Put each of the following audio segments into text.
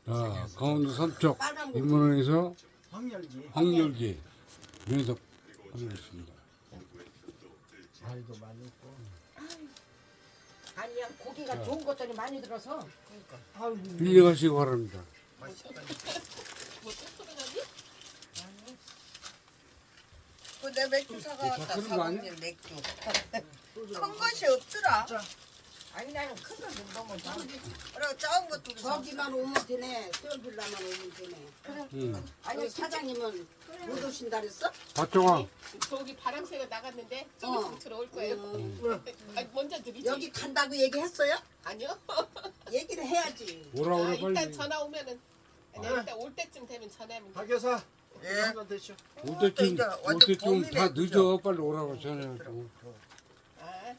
자, 강원도 삼척 빨간 거. 인문원에서 황열기. 황열기 면접 하겠습니다. 알도 많이 있고. 아니야 고기가 좋은 것들이 많이 들어서. 그러니까. 빌려가시기 바랍니다. 그내 맥주 사가왔다. 자, 그런 거 아니야? 사모님 맥주. 큰 것이 없더라. 아니 나는 큰 거 좀 너무 많아. 그리고 작은 것도 저기만 오면 되네. 수영빌라만 오면 되네. 응. 아니 사장님은 못 오신다 그랬어? 박정아, 저기 바람새가 나갔는데 좀 있으면 들어올 거예요. 아니, 먼저 드리지. 여기 간다고 얘기했어요? 아니요. 얘기를 해야지. 오라 아, 오라 일단 빨리. 전화 오면은 아니, 일단 올 때쯤 되면 전화하면 돼. 박 여사. 예. 한잔 드시오. 올 때쯤 이제 올 완전 때쯤 다 봄이네, 늦어. 빨리 오라고 전해가지고. 아,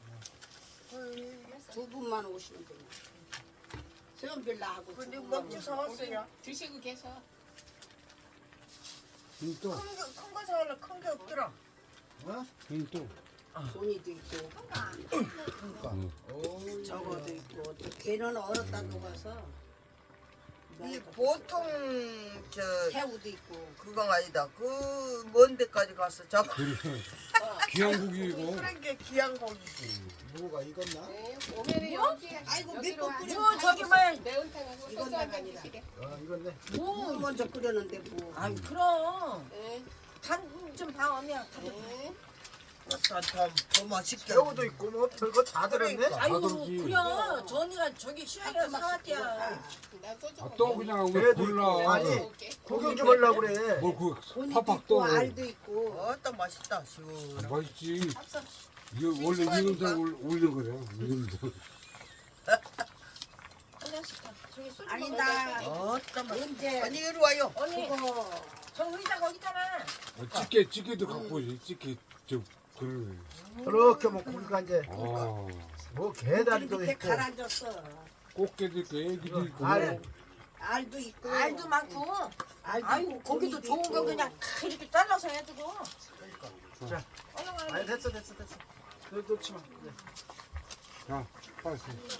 두 분만 오시면 되네. 수영빌라하고 두 근데 분만 맥주 오시면 사왔어요. 드시고 계셔. 또, 큰거 사올래 큰 게 없더라. 어? 또. 손이도 있고 오. 저거도 있고 또 걔는 얼었다 녹아서 이 보통 저 새우도 있고 그거 아니다. 그 먼 데까지 가서 잡아. 그래. 귀한 고기이고. 그런 게 귀한 고기지. 무가 익었나? 네, 오면은 여기 아이고, 여기로 몇 와. 번 끓여. 뭐 저기만. 매운탕하고 이건 소주 한잔 나간이다. 드시게. 익었네. 뭐 먼저 끓였는데 뭐 아이 그럼 네. 간좀 봐오면 네. 더 맛있게. 새우도 있고 뭐 별거 다 들었네. 그러니까. 아이고 다들지. 그래 저 언니가 저기 시장에서 사왔대야 나 소주 아, 먹어. 또 그냥 왜 배도 골라. 있고. 아니. 먹을게. 구경 좀 하려고 그래. 뭘 그 손이도 팍팍 있고 떠. 알도 있고 어떤 맛있다. 시원. 맛있지. 합성 이거 원래 익은탕 올리는 거야. 익은탕. 한 잔씩 다 저기 소주 아니 먹어야 나 돼. 어떤 맛. 언제 언니 이리 와요. 언니 그거 저 의자 거기 있잖아 찌개도 갖고 오지. 찌개 저 그러네. 그렇게 뭐 고기가 이제 아, 뭐 게다리도 밑에 있고. 가라앉았어 꽃게도 있고 애기도 있고. 알. 알도 있고 알도 많고 알도 아이고 있고, 거기도 고기도 좋은 거 있고. 그냥 다 이렇게 잘라서 해주고 자. 얼른 얼른 아니 됐어. 그 놓지 마. 네. 자, 빨리.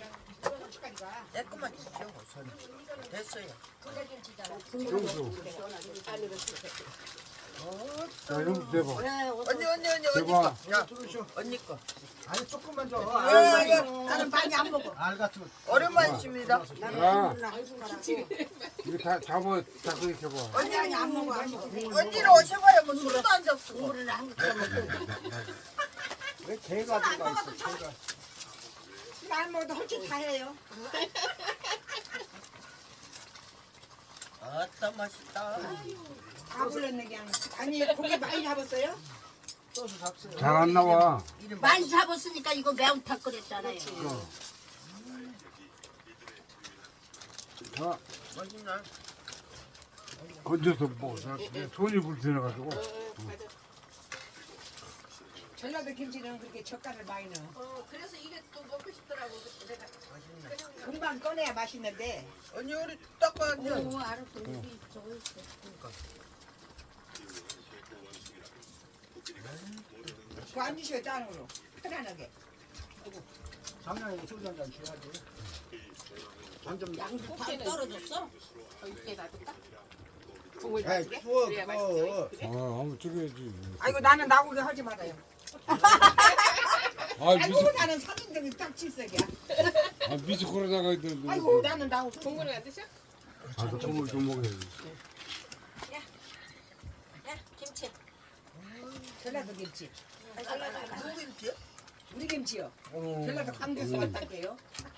조금만 주시오. 손. 됐어요. 여기서. 안으로 드세요. 자, 여기서 대봐. 그래 언니 대박. 거. 야 들으시오. 언니 거. 아니 조금만 줘. 예, 예. 나는 많이 안 먹어 알 같은 거. 오랜만이십니다. 나는 야. 한 숟가락에 이거 다 잡아, 다 그렇게 봐. 아니 아니 안 먹어 안 먹어 언니는 오셔봐야 뭐 술도 안 잡수고. 국물을 한 그릇 먹고 왜 게가 들어가 있어? 게가. 안 먹어도 할 줄 다 해요 어떤 맛있다. 다 불렀네 그냥 아니 고기 많이 잡았어요? 소스 잡수요. 잘 안 나와. 이름 많이 잡았으니까 이거 매운탕 끓였잖아요 자, 맛있나? 건져서 먹어. 자, 내 손이 불편해가지고. 전라도 김치는 그렇게 젓갈을 많이 넣어 그래서 이게 또 먹고 싶더라고. 내가 맛있네. 금방 꺼내야 맛있는데 언니 우리 딱 봐. 오 알았어 여기 저거 있어 그거 앉으셔 짠으로 편안하게 작년에 소주 한잔 줘야지. 완전 양도 다 꽃게는 떨어졌어? 더 있게 놔둘까? 국물 에이 마시게? 추워 그래야 그거. 맛있어. 아, 그래? 한번 찍어야지. 아이고 나는 나오게 하지 말아요 아, 아이고 나는 사진등이 딱 칠색이야 미스 코로나가 아이고 나는 나오게 국물을 안 드셔? 아, 저 국물 좀 먹어야지. 야 김치 전라도 김치 누구 김치? 우리 김치요 어, 전라도 광주에서 왔다게요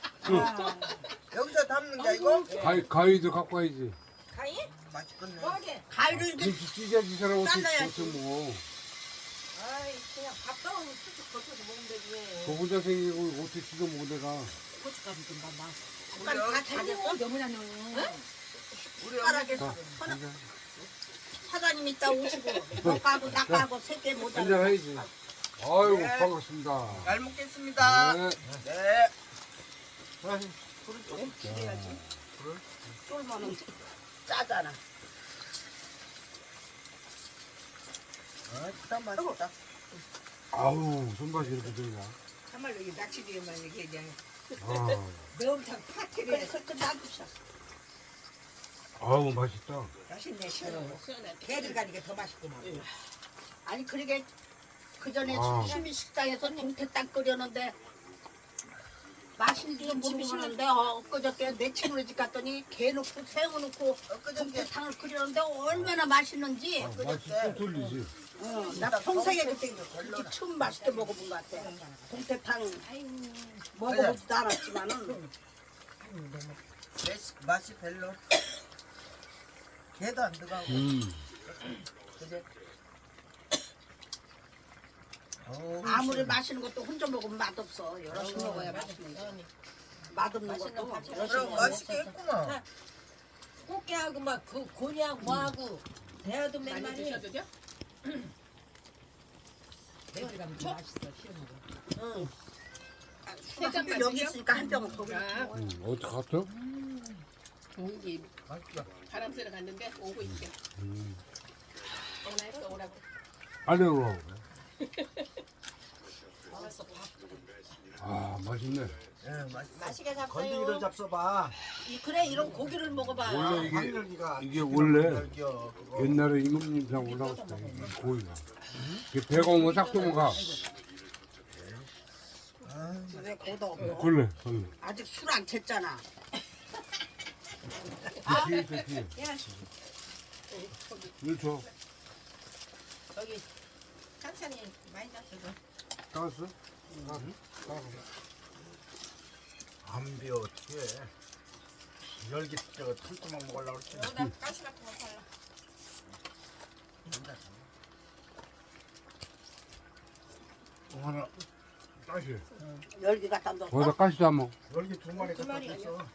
여기서 담는 게 이거? 가위도 갖고 와야지. 가위? 맛있겠네. 뭐하게 가위를 이렇게 김치 찢어지 사람 어떻게 잘라야지. 먹어. 아이 그냥 밥 떠오면 쭉쭉 걸쳐서 먹으면 되지 저 혼자 생기고 어떻게 찢어 먹어 내가. 고춧가루 좀 봐봐 우리 다 잘렸어? 너무나 넣어 우리 어머니 자, 한잔 사장님 이따 오시고 너하고 나하고 세개 모자라 한잔 해야지. 아이고 네. 반갑습니다. 잘 먹겠습니다. 네. 네. 불을 조금 줄여야지 쫄면은 짜잖아 어떤 맛있다. 아우 손맛이 이렇게 되냐. 참말로 이 낚시비에만 이게 그냥 아, 매운탕 파티를 해서 놔두셨어 아우 맛있다. 맛있네 시원하고. 시원하게. 배를 가니까 더 맛있구만. 아니 그러게 그 전에 아. 시민 식당에서 동태탕 끓였는데 맛있는 줄 모르고 그러는데 엊그저께 내 친구 집 갔더니 게 넣고 새우 넣고 동태탕을 끓였는데 얼마나 맛있는지 맛이 또 틀리지. 나 평생에 그때 그렇게 처음 맛있게 먹어본 것 같아. 동태탕 먹어보지도 않았지만은 맛이 별로. 개도 안 들어가고. 그지? 아무리 맛있는 것도 혼자 먹으면 맛없어. 여럿이 먹어야 맛있는 거. 맛없는 것도 여럿이 그럼 먹어야 맛있게 했구만. 꽃게하고 막 그 고니하고 뭐하고 대하도 많이 맨날이 드셔도 돼요? 배를 가면 더 맛있어 시원하고. 술 한병 여기 있으니까 한 병은 거기. 아, 어디 갔어? 공기 맛있다. 바람 쐬러 갔는데 오고 있대. 오나 했어 오라고. 알레로. 먹었어 밥. 아 맛있네. 예, 맛있어. 맛있게 건더기를 잡어요. 잡숴봐. 그래 이런 고기를 먹어봐. 원래 이게 황열기가 이게 원래 건더기요, 그거. 옛날에 임금님상 올라왔을 때 이 고기가 이게 배가 오면 싹 도망가. 왜 거기다 없어? 걸레 걸레. 아직 술 안 챘잖아. 뒤에 있어 뒤에. 일 줘. 저기 찬찬히 많이 잡숴. 따왔어? 따로. 안 비워 어떻게 해. 열기 저거 털도막 먹으려고 그랬지. 나 가시 같은 거 팔라. 하나 가시. 열기 갖다 넣었어. 거기다 가시 담아. 열기 두 마리 두 갖다 마리 줬어.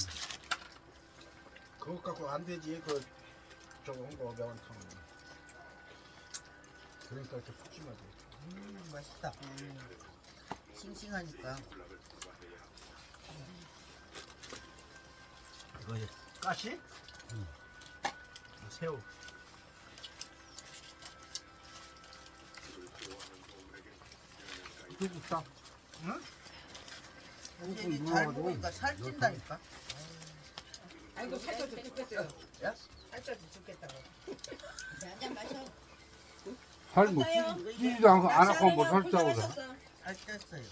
그거 갖고 안 되지 그 저거 한거 매운탕. 그러니까 이렇게 푸짐하지. 맛있다. 싱싱하니까. 이거 이제 가시? 새우. 이거 딱. 근데 이게 잘 먹으니까 살찐다니까. 아이고 살쪄도 죽겠어요. 야? 살쪄도 죽겠다고. 한잔 마셔. 살뭐 찌지도 않고 안 하고 뭐 살자고 그래. 살쪘어요.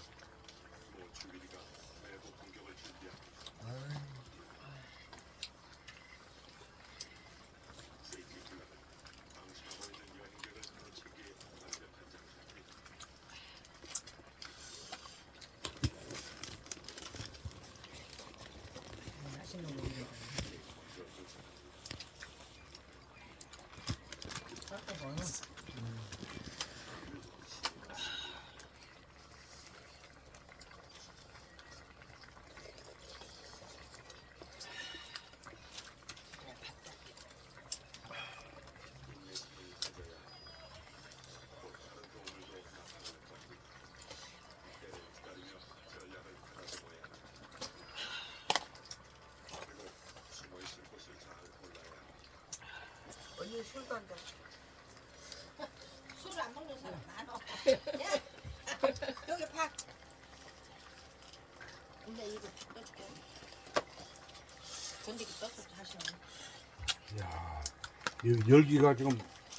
언니 술도 안 돼. 술을 안 먹는 사람 많아. 야, 여기 밥. 근데 이거 떠줄게. 건더기 떠서 다시. 야, 이 열기가 지금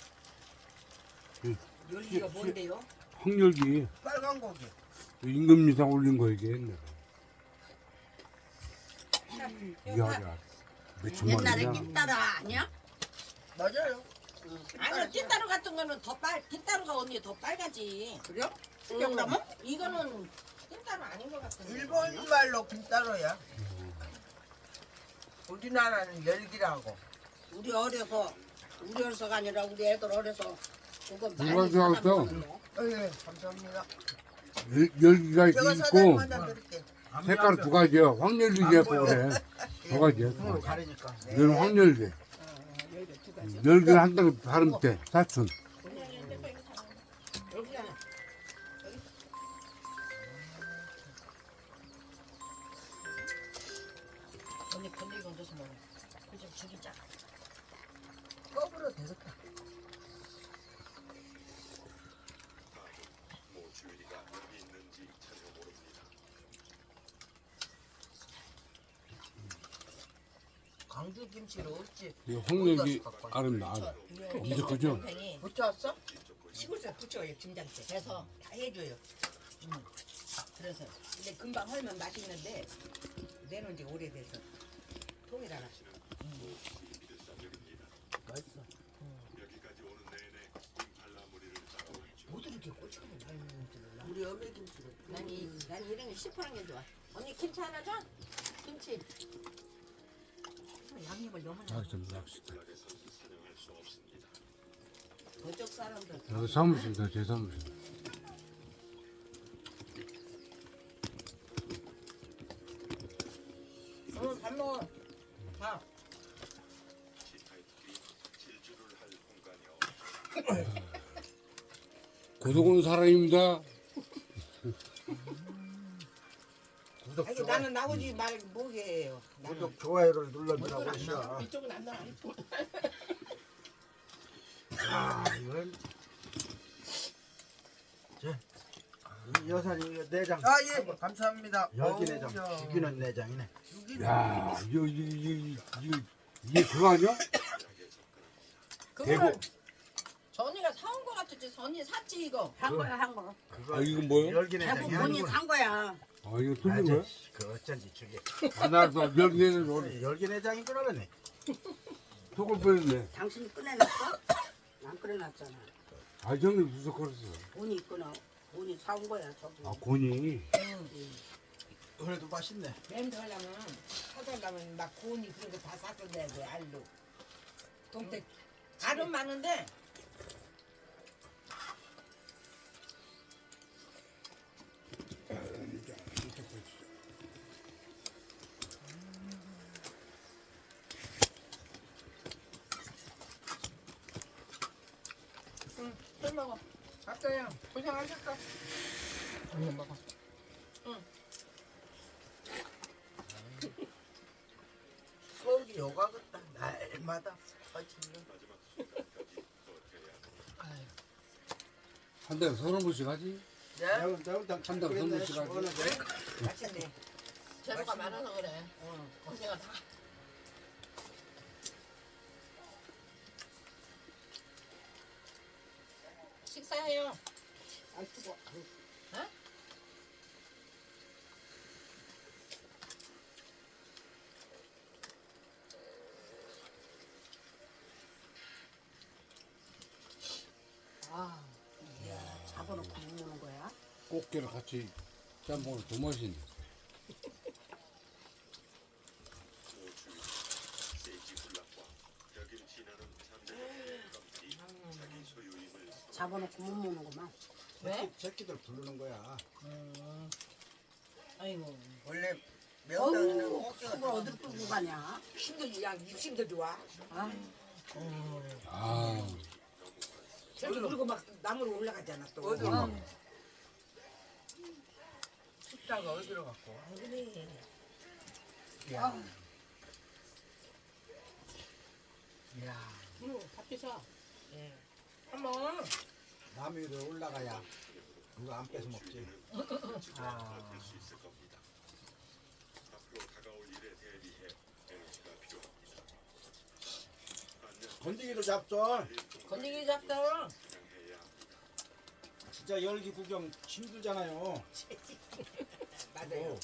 열기가 뭔데요? 황열기 빨간 고기. 임금님상 올린 거 이게 옛날에. 이야, 몇천만 옛날에 원이야. 낀따라 아니야? 맞아요. 아니요, 찐따로 같은 거는 더 찐따로가 언니 더 빨가지. 그래? 기억나면? 이거는 찐따로 아닌 것 같은데. 일본 말로 김따로야. 우리나라는 열기라고. 우리 어려서가 아니라 우리 애들 어려서 그거 누가 많이 좋아했어? 사다 먹었네. 예, 감사합니다. 열기가 제가 있고 사장님 하나 드릴게. 색깔 두 가지야. 황열기가 있고 그래. 두 가지야. 손으로 가리니까. 얘는 황열기. 열개 두 가지. 열기는 한 덩이 다른 때 사춘. 여기잖아. 언니 건더기 건져서 먹어. 그좀 죽이자. 껍으로 되겠다. 우주 김치로 어찌 이 홍역이 아름다. 엄청 크죠? 팽이 붙였어? 시골에서 붙여요 김장때. 그래서 다 해줘요. 그래서 근데 금방 헐면 맛있는데 내놓은 지 오래돼서 통일하나. 맛있어. 모두 이렇게 고추가 많이 먹는지 몰라. 우리 어메 김치로. 난 이런 게 시퍼런 게 좋아. 언니 김치 하나 줘? 김치. 양념을 너무 자, 좀 납시다. 저쪽 사람들 여기 사무실이다, 제 사무실. 밥 먹어. 밥. 고독은 사람입니다. 구독, 아니 좋아요. 나는 나오지 말고 뭐게요. 나는 구독, 좋아요를 눌러주라고 하시오. 이쪽은 안 나와. 아, 이건. 자, 이 여사님, 이거 내장. 아, 예. 감사합니다. 열기 내장. 어우야. 죽이는 내장이네. 야, 이게 그거 아니야? 그거는 전이가 사온 거 같았지. 전이 샀지 이거. 한 거야 한 거. 그거 아, 이건 뭐예요? 열기 대구 내장이 본인 아니고. 산 거야. 아, 이거 틀린 거야? 그 어쩐지 저게. 아, 나도 명예는 오늘 열기 내장인 줄 알았네. 속을 뻔했네. 당신이 꺼내놨어? 안 꺼내놨잖아. 아, 형님 무슨 그랬어? 본이 꺼내. 본이 사온 거야 저기. 아, 곤이. 그래도 맛있네. 램도 하려면 사달라면 막 고니 그런 거 다 사서 내야 돼 알로. 동태 알은 많은데 술 먹어. 갔어요. 고생하셨어. 얼른 먹어. 서울이 요가 같다. 날마다 퍼지는. 한 달에 30번씩 하지? 네? 내가 한 달에 30번씩 하지? 맛있네. 재료가 많아서 그래. 언니가 다. 식사해요. 아 뜨거. 아, 잡아놓고 먹는 거야? 꽃게를 같이 짬뽕을 더 맛있네. 잡아놓고 못 먹는구만. 왜? 새끼들 부르는 거야. 아이고. 원래 명당에는 어우, 꼭지가 그걸 어디로 끌고 가냐? 힘도 양 입심도 좋아. 아, 아, 저기 그리고 막 나무로 올라가잖아 또. 어디로? 숫자가 어디로 갔고? 그래. 야. 밥 드셔. 한번 남 위로 올라가야 누가 안 뺏어 먹지. 건지기로 잡죠. 건더기 잡다. 진짜 열기 구경 힘들잖아요. 맞아요.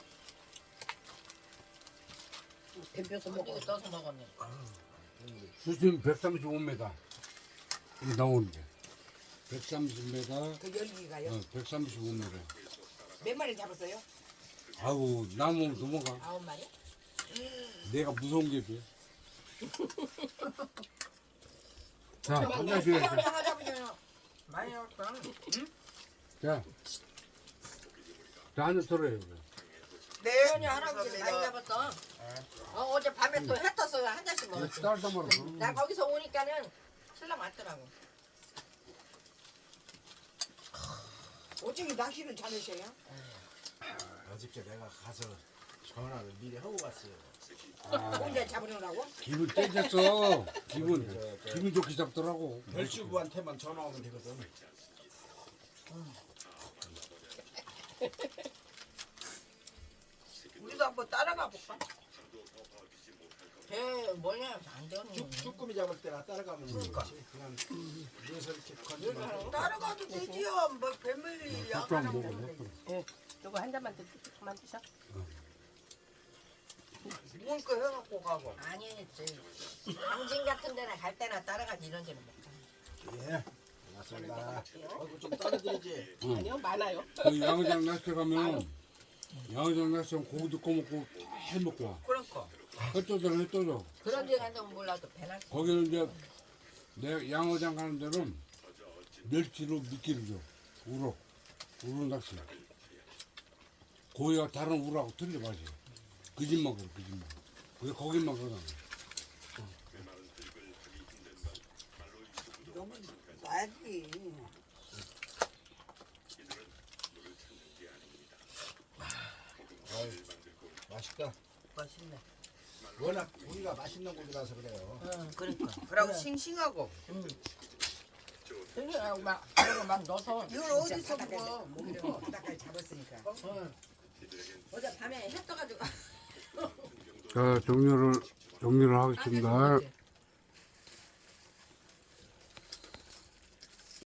뱀벼서 먹어. 건더기 떠서 먹었네. 수심 135m. 이게 나오는데. 130m, 그 열기가요. 135m. 몇 마리 잡았어요? 아우, 나무 넘어가. 9마리? 내가 무서운 게 돼. 자, 한 잔씩 해. 하나 잡으세요. 많이 왔다. 자, 자, 한잔 털어요. 네. 현이 할아버지 많이 잡았어. 어제 밤에 또 해 떴어. 한 잔씩 먹었지. 딸도 말아. 나 거기서 오니까는 신랑 왔더라고. 어떻게 낚시를 잘하셔요? 어저께 내가 가서 전화를 미리 하고 갔어요. 혼자 잡으려고? 기분 떼졌어. 기분 좋게 잡더라고. 별주부한테만 전화 오면 되거든. 우리도 한번 따라가 볼까? 배 뭐냐 안전히. 쭈꾸미 잡을 때나 따라가면 그렇지. 그냥 위에서 이렇게 건지면 따라가도 되지요. 뭐 뱀을 닭도 야간 안 먹어. 요거 한 잔만 더 그만 드셔. 먹을 거 해갖고 가고. 아니 당진 같은 데나 갈 때나 따라가지 이런 데는 먹자. 예. 고맙습니다. 얼굴 좀 따라드리지. 아니요 많아요. 그 양장 낚시 가면 양장 낚시 가면 고기도 꺼먹고 다 먹고 와. 그러니까. 햇떠져. 그런 데 가서 몰라도 배날 수 거기는 이제 내 양어장 가는 데는 멸치로 미끼를 줘. 우럭 낚시. 고기가 다른 우럭하고 틀려 맛이. 그 집만 그래, 그 집만. 왜 거기만 그러나? 너무 놔야지. 아유, 맛있다. 맛있네. 워낙 고기가 맛있는 고기라서 그래요. 응, 그러니까. 그리고 싱싱하고. 그냥 막 이거 막 넣어서. 이걸 어디서 먹어? 몸이랑 바닥까지 잡았으니까. 어제 밤에 해 떠가지고. 자, 종료를 하겠습니다.